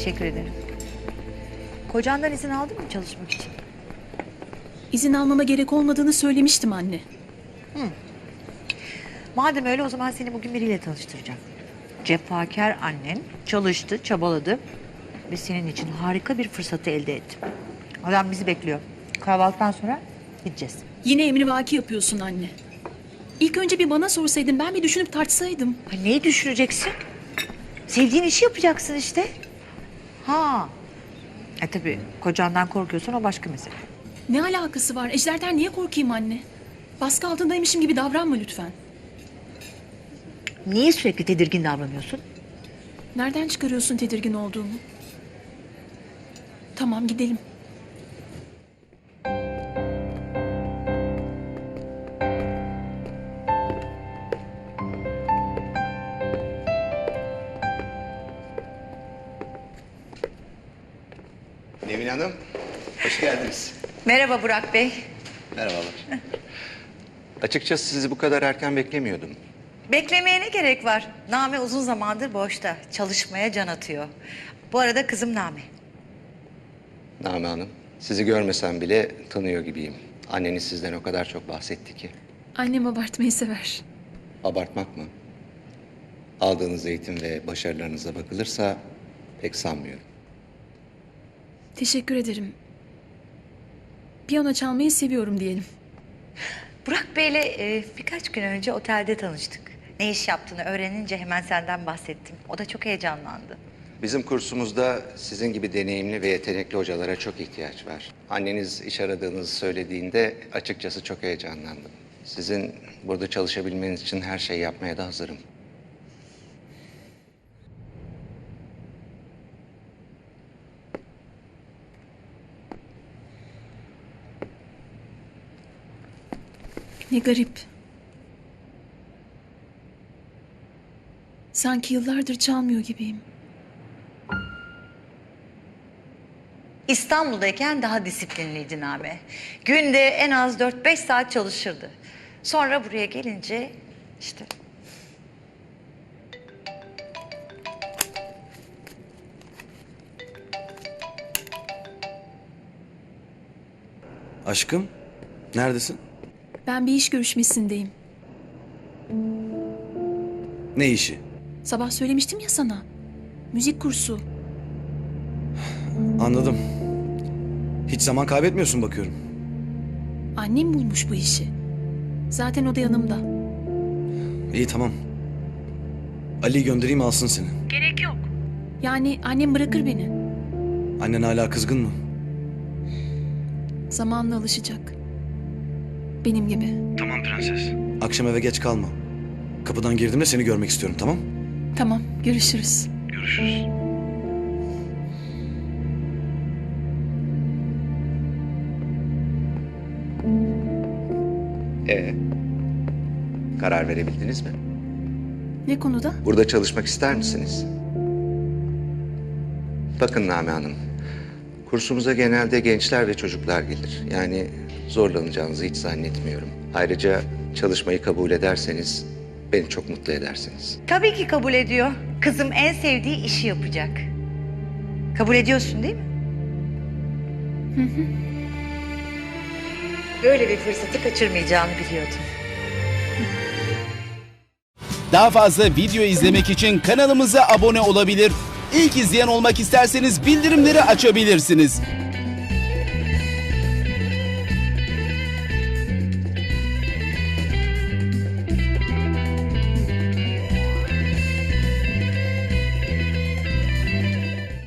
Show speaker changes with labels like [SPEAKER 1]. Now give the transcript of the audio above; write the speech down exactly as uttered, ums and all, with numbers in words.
[SPEAKER 1] Teşekkür ederim. Kocandan izin aldın mı çalışmak için?
[SPEAKER 2] İzin almama gerek olmadığını söylemiştim anne.
[SPEAKER 1] Madem öyle o zaman seni bugün biriyle tanıştıracağım. Cefakar annen çalıştı, çabaladı ve senin için harika bir fırsatı elde etti. Adam bizi bekliyor. Kahvaltıdan sonra gideceğiz.
[SPEAKER 2] Yine emrivaki yapıyorsun anne. İlk önce bir bana sorsaydın, ben bir düşünüp tartsaydım.
[SPEAKER 1] Ha, neyi düşüreceksin? Sevdiğin işi yapacaksın işte. Ha. E tabii kocandan korkuyorsan o başka mesele.
[SPEAKER 2] Ne alakası var? Ejder'den niye korkayım anne? Baskı altındaymışım gibi davranma lütfen.
[SPEAKER 1] Niye sürekli tedirgin davranıyorsun?
[SPEAKER 2] Nereden çıkarıyorsun tedirgin olduğumu? Tamam, gidelim.
[SPEAKER 3] Nevin Hanım, hoş geldiniz.
[SPEAKER 1] Merhaba Burak Bey.
[SPEAKER 3] Merhabalar. Açıkçası sizi bu kadar erken beklemiyordum.
[SPEAKER 1] Beklemeye ne gerek var? Name uzun zamandır boşta. Çalışmaya can atıyor. Bu arada kızım Name.
[SPEAKER 3] Name Hanım, sizi görmesem bile tanıyor gibiyim. Anneniz sizden o kadar çok bahsetti ki.
[SPEAKER 2] Annem abartmayı sever.
[SPEAKER 3] Abartmak mı? Aldığınız eğitim ve başarılarınıza bakılırsa pek sanmıyorum.
[SPEAKER 2] Teşekkür ederim. Piyano çalmayı seviyorum diyelim.
[SPEAKER 1] Burak Bey'le e, birkaç gün önce otelde tanıştık. Ne iş yaptığını öğrenince hemen senden bahsettim. O da çok heyecanlandı.
[SPEAKER 3] Bizim kursumuzda sizin gibi deneyimli ve yetenekli hocalara çok ihtiyaç var. Anneniz iş aradığınızı söylediğinde açıkçası çok heyecanlandım. Sizin burada çalışabilmeniz için her şeyi yapmaya da hazırım.
[SPEAKER 2] Ne garip. Sanki yıllardır çalmıyor gibiyim.
[SPEAKER 1] İstanbul'dayken daha disiplinliydi Name. Günde en az dört beş saat çalışırdı. Sonra buraya gelince işte...
[SPEAKER 4] Aşkım, neredesin?
[SPEAKER 2] Ben bir iş görüşmesindeyim.
[SPEAKER 4] Ne işi?
[SPEAKER 2] Sabah söylemiştim ya sana. Müzik kursu.
[SPEAKER 4] Anladım. Hiç zaman kaybetmiyorsun bakıyorum.
[SPEAKER 2] Annem bulmuş bu işi. Zaten o da yanımda.
[SPEAKER 4] İyi tamam. Ali'yi göndereyim alsın seni.
[SPEAKER 2] Gerek yok. Yani annem bırakır beni.
[SPEAKER 4] Annen hala kızgın mı?
[SPEAKER 2] Zamanla alışacak. Benim gibi.
[SPEAKER 4] Tamam prenses. Akşam eve geç kalma. Kapıdan girdiğimde seni görmek istiyorum, tamam?
[SPEAKER 2] Tamam, görüşürüz.
[SPEAKER 4] Görüşürüz.
[SPEAKER 3] Ee, karar verebildiniz mi?
[SPEAKER 2] Ne konuda?
[SPEAKER 3] Burada çalışmak ister misiniz? Bakın Name Hanım, kursumuza genelde gençler ve çocuklar gelir. Yani zorlanacağınızı hiç zannetmiyorum. Ayrıca çalışmayı kabul ederseniz beni çok mutlu edersiniz.
[SPEAKER 1] Tabii ki kabul ediyor. Kızım en sevdiği işi yapacak. Kabul ediyorsun değil mi? Hı hı. Böyle bir fırsatı kaçırmayacağını biliyordum.
[SPEAKER 5] Daha fazla video izlemek için kanalımıza abone olabilir. İlk izleyen olmak isterseniz bildirimleri açabilirsiniz.